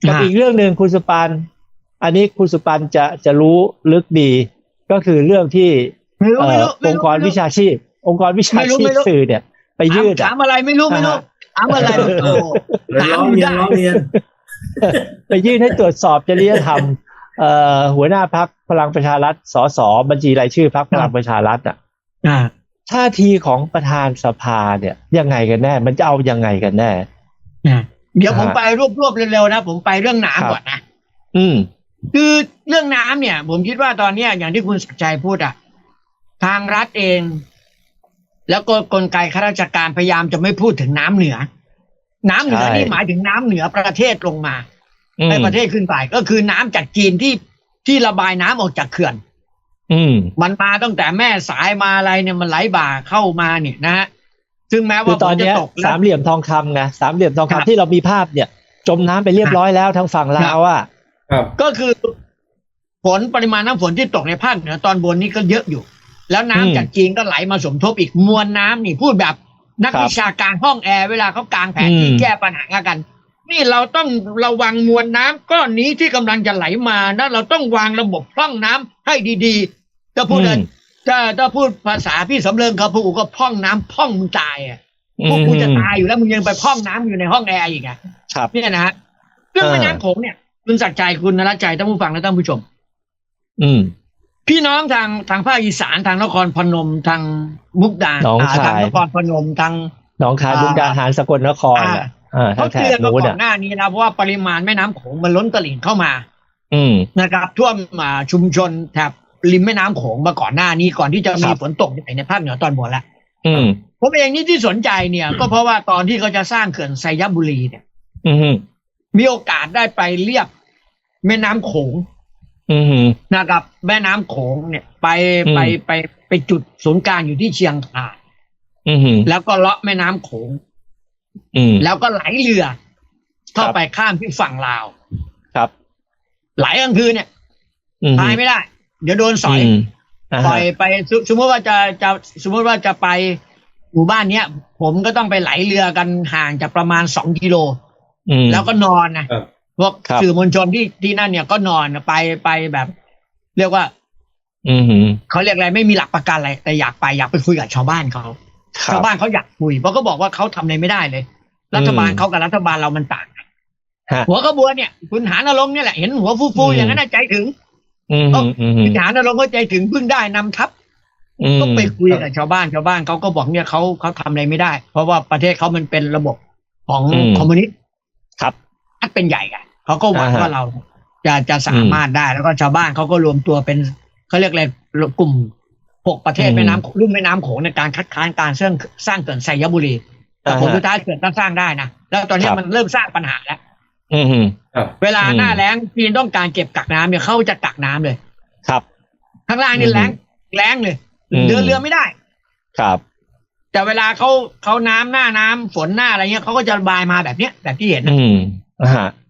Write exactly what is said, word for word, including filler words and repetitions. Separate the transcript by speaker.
Speaker 1: กับอีกเรื่องหนึ่งคุณสุปันอันนี้คุณสุปันจะจะรู้ลึกดีก็คือเรื่องที่องค์กรวิชาชีพองค์กรวิชาชีพสื่อเนี่ยไปยื่น
Speaker 2: ถามอะไรไม่รู้ไม่รู้ถามอะไรโอ้
Speaker 3: ร้องเรียนร้องเรียน
Speaker 1: ไปยื่นให้ตรวจสอบจริยธรรมเอ่อหัวหน้าพรรคพลังประชารัฐสสบัญชีรายชื่อพรรคพลังประชารัฐอ่ะท่าทีของประธานสภาเนี่ยยังไงกันแน่มันจะเอายังไงกันแน่
Speaker 2: เดี๋ยวผมไปรวบๆเร็วๆนะผมไปเรื่องน้ำก่อนนะ
Speaker 1: อืม
Speaker 2: คือเรื่องน้ำเนี่ยผมคิดว่าตอนนี้อย่างที่คุณศักดิ์ชัยพูดอ่ะทางรัฐเองแล้วก็กลไกข้าราชการพยายามจะไม่พูดถึงน้ำเหนือน้ำเหนือนี่หมายถึงน้ำเหนือประเทศลงมาในประเทศขึ้นไปก็คือน้ำจากจีนที่ที่ระบายน้ำออกจากเขื่อน
Speaker 1: อืม
Speaker 2: มันมาตั้งแต่แม่สายมาอะไรเนี่ยมันไหลบ่าเข้ามาเนี่ยนะฮะซึ่งแม้ว่า
Speaker 1: ตอนนี้สามเหลี่ยมทองคำไงสามเหลี่ยมทองคำที่เรามีภาพเนี่ยจมน้ำไปเรียบร้อยแล้วทางฝั่งลาวอ่ะ
Speaker 2: ก็คือฝนปริมาณน้ำฝนที่ตกในภาคเหนือตอนบนนี่ก็เยอะอยู่แล้วน้ำจากจีนก็ไหลมาสมทบอีกมวลน้ำนี่พูดแบบนักวิชาการห้องแอร์เวลาเขากางแผนที่แก้ปัญหากันนี่เราต้องระวังมวลน้ำก้อนนี้ที่กำลังจะไหลมานะเราต้องวางระบบพร่องน้ำให้ดีๆถ้าพูดถ้าถ้าพูดภาษาพี่สำเริงเขาพูดก็พร่องน้ำพร่องมึงตายอ่ะพวกกูจะตายอยู่แล้วมึงยังไปพร่องน้ำอยู่ในห้องแอร์อีกอ่ะนี่นะฮะเรื่องแม่น้ำโขงเนี่ยคุณศักดิ์ชัยคุณนรชัยท่านผู้ฟังและท่านผู้ชม
Speaker 1: อืม
Speaker 2: พี่น้องทางทางภาคอีสานทางนครพนมทางมุกดาหารทางนครพนมทาง
Speaker 1: หนองคายมุกดาหารสกลนครอ่ะ
Speaker 2: เขาเตือนมาก่อนหน้านี้นะเพราะว่าปริมาณแม่น้ำโขงมันล้นตลิ่งเข้ามา
Speaker 1: อืม
Speaker 2: นะครับท่วมชุมชนแถบริมแม่น้ำโขงมาก่อนหน้านี้ก่อนที่จะมีฝนตกในภาคเหนือตอนบนแล้ว
Speaker 1: อืม
Speaker 2: ผมเองนี่ที่สนใจเนี่ยก็เพราะว่าตอนที่เขาจะสร้างเขื่อนไซยบุรีเนี่ย
Speaker 1: อืม
Speaker 2: มีโอกาสได้ไปเลียบแม่น้ำโขงนะครับแม่น้ำโขงเนี่ยไปไปไปไปจุดศูนย์กลางอยู่ที่เชียงคานแล้วก็เลาะแม่น้ำโขงแล้วก็ไหลเรือเข้าไปข้ามที่ฝั่งลาว
Speaker 1: ครับ
Speaker 2: ไหลกลางคืนเนี่ยพายไม่ได้เดี๋ยวโดนสอยปล่อยไปสมมติว่าจะจะสมมติว่าจะไปหมู่บ้านเนี้ยผมก็ต้องไปไหลเรือกันห่างจากประมาณสองกิโลแล้วก็นอนนะพวกสื่อมวลชนที่ที่นั่นเนี่ยก็นอนไปไปแบบ เรียกว่า
Speaker 1: อือ
Speaker 2: เขาเรียกอะไรไม่มีหลักประกันอะไรแต่อยากไปอยากไปคุยกับชาวบ้านเขาชาวบ้านเขาอยากคุยเพราะเขาบอกว่าเขาทำอะไรไม่ได้เลยรัฐบาลเขากับรัฐบาลเรามันต่างกันหัวขบวนเนี่ยคุณหานรงค์เนี่ยแหละเห็นหัวฟูๆอย่างนั้นใจถึงคุณหานรงค์ก็ใจถึงเพิ่งได้นำทัพก็ไปคุยกับชาวบ้านชาวบ้านเขาก็บอกเนี่ยเขาเขาทำอะไรไม่ได้เพราะว่าประเทศเขามันเป็นระบบของคอมมิวนิสต์
Speaker 1: ครับ
Speaker 2: อัดเป็นใหญ่กันเขาก็หวังว่าเราจะจะสามารถได้แล้วก็ชาวบ้านเขาก็รวมตัวเป็นเขาเรียกอะไรกลุ่มหกประเทศแม่น้ำลุ่มแม่น้ำโขงในการคัดค้านการสร้างสร้างเขื่อนไซยบุรีแต่ผลสุดท้ายเขื่อนต้องสร้างได้นะแล้วตอนนี้มันเริ่มสร้างปัญหาแล้วเวลาหน้าแล้งจีนต้องการเก็บกักน้ำเนี่ยเขาจะกักน้ำเลย
Speaker 1: ครับ
Speaker 2: ข้างล่างนี่แล้งแล้งเลยเดินเรือไม่ได้
Speaker 1: ครับ
Speaker 2: แต่เวลาเขาเขาน้ำหน้าน้ำฝนหน้าอะไรเงี้ยเขาก็จะระบายมาแบบเนี้ยแบบที่เห็น
Speaker 1: อืมอ่า